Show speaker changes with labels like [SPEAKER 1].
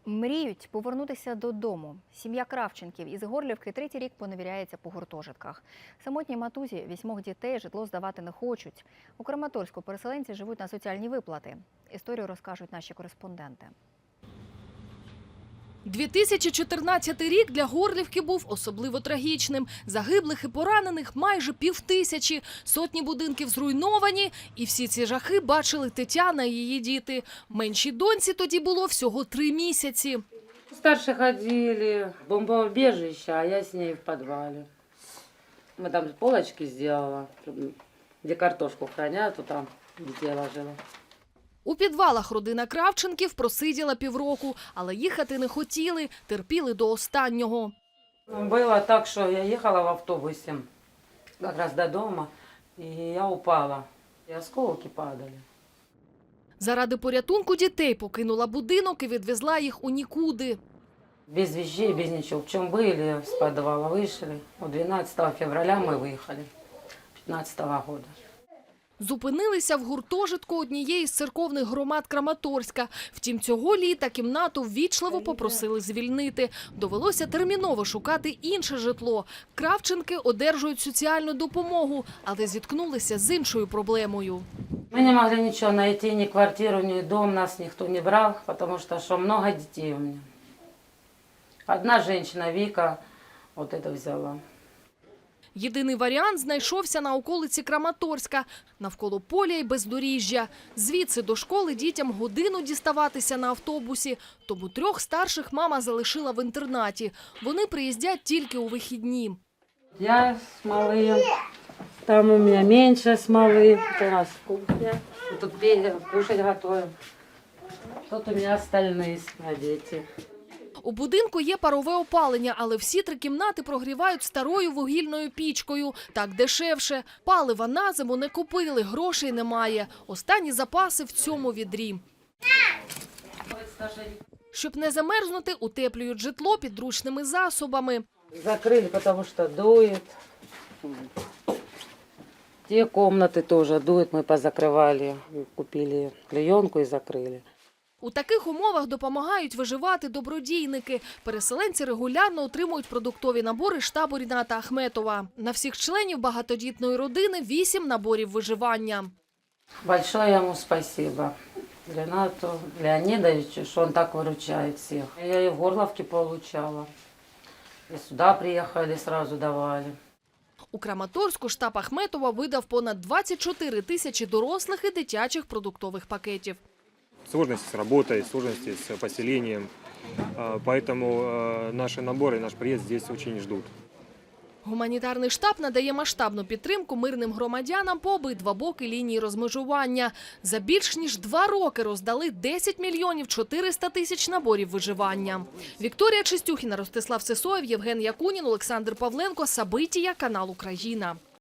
[SPEAKER 1] Мріють повернутися додому. Сім'я Кравченків із Горлівки третій рік поневіряється по гуртожитках. Самотній матузі 8 дітей житло здавати не хочуть. У Краматорську переселенці живуть на соціальні виплати. Історію розкажуть наші кореспонденти.
[SPEAKER 2] 2014 рік для Горлівки був особливо трагічним. Загиблих і поранених майже 5000, сотні будинків зруйновані. І всі ці жахи бачили Тетяна і її діти. Меншій доньці тоді було всього 3 місяці.
[SPEAKER 3] Старшие ходили в бомбоубежище, а я с ней в подвале. Мы там полочки сделала, где картошку хранят, то там детей ложила.
[SPEAKER 2] У підвалах родина Кравченків просиділа півроку, але їхати не хотіли, терпіли до останнього.
[SPEAKER 3] Было так, что я ехала в автобусе как раз до дома, и я упала, и осколки падали.
[SPEAKER 2] Заради порятунку дітей покинула будинок і відвезла їх у нікуди.
[SPEAKER 3] Без вещей, без ничего. В чем были, с подвала вышли. 12 февраля мы выехали, 15 года.
[SPEAKER 2] Зупинилися в гуртожитку однієї з церковних громад Краматорська. Втім, цього літа кімнату ввічливо попросили звільнити. Довелося терміново шукати інше житло. Кравченки одержують соціальну допомогу, але зіткнулися з іншою проблемою.
[SPEAKER 3] Мы не могли ничего найти, ни квартиру, ни дом, нас никто не брал, потому что много детей у меня. Одна женщина, Вика, вот это взяла.
[SPEAKER 2] Єдиний варіант знайшовся на околиці Краматорська, навколо поля й бездоріжжя. Звідси до школи дітям годину діставатися на автобусі, тому 3 старших мама залишила в інтернаті. Вони приїздять тільки у вихідні.
[SPEAKER 3] Я с малым, там у меня меньше с малым, это у нас кухня, тут кушать готовим. Тут у меня остальные дети.
[SPEAKER 2] У будинку є парове опалення, але всі 3 кімнати прогрівають старою вугільною пічкою. Так дешевше. Палива на зиму не купили, грошей немає. Останні запаси в цьому відрі. Щоб не замерзнути, утеплюють житло підручними засобами.
[SPEAKER 3] Закрыли, потому что дует. Те комнаты тоже дует, мы позакрывали, купили клеенку и закрыли.
[SPEAKER 2] У таких умовах допомагають виживати добродійники. Переселенці регулярно отримують продуктові набори штабу Ріната Ахметова. На всіх членів багатодітної родини 8 наборів виживання.
[SPEAKER 3] Большое ему спасибо Ренату Леонидовичу, что он так выручает всех. Я и в Горловке получала, и сюда приехали, сразу давали.
[SPEAKER 2] У Краматорську штаб Ахметова видав понад 24 тисячі дорослих і дитячих продуктових пакетів.
[SPEAKER 4] Сложности с работой, сложности с поселением, поэтому наши наборы, наш приезд здесь очень ждут.
[SPEAKER 2] Гуманітарний штаб надає масштабну підтримку мирним громадянам по обидва боки лінії розмежування. За більш ніж 2 роки роздали 10 мільйонів 400 тисяч наборів виживання. Вікторія Чистюхіна, Ростислав Сисоєв, Євген Якунін, Олександр Павленко, Сабитія, канал Україна.